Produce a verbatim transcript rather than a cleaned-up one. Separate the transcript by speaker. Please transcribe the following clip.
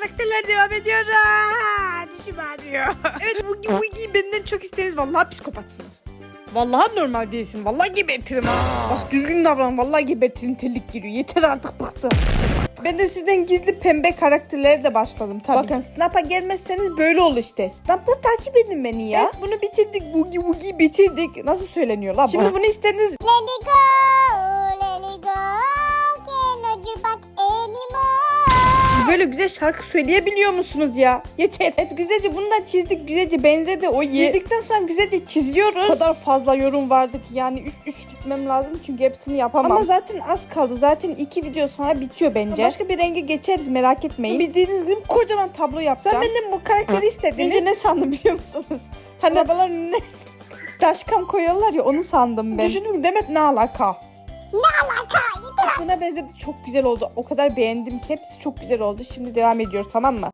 Speaker 1: karakterler devam ediyor. Aa, dişim ağrıyor. Evet, Woogie Woogie benden çok isteriz. Vallahi psikopatsınız. Vallahi normal değilsin. Vallahi gebertirim ha. Bak düzgün davran. Vallahi gebertirim, terlik giriyor. Yeter artık, bıktım. Ben de sizden gizli pembe karakterlere de başladım tabii. Bakın Snap'a gelmezseniz böyle olur işte. Snap'la takip edin beni ya. Evet, bunu bitirdik. Woogie Woogie'yi bitirdik. Nasıl söyleniyor la bu? Şimdi bunu istediniz.
Speaker 2: Let it go, let it go, cannot you back anymore.
Speaker 1: Siz böyle güzel şarkı söyleyebiliyor musunuz ya? Yeter. Evet, güzelce bunu da çizdik. Güzelce benzedi. O çizdikten sonra güzelce çiziyoruz. O kadar fazla yorum vardı ki yani üç üç gitmem lazım çünkü hepsini yapamam. Ama zaten az kaldı. Zaten iki video sonra bitiyor bence. Başka bir renge geçeriz, merak etmeyin. Bildiğiniz gibi kocaman tablo yapacağım. Sen benden bu karakteri istediniz. Önce ne sandım biliyor musunuz? Hani arabaların önüne daşkam koyuyorlar ya, onu sandım ben. Düşünün Demet, ne alaka?
Speaker 2: Ne alaka?
Speaker 1: Buna benzedi, çok güzel oldu. O kadar beğendim ki hepsi çok güzel oldu. Şimdi devam ediyoruz, tamam mı?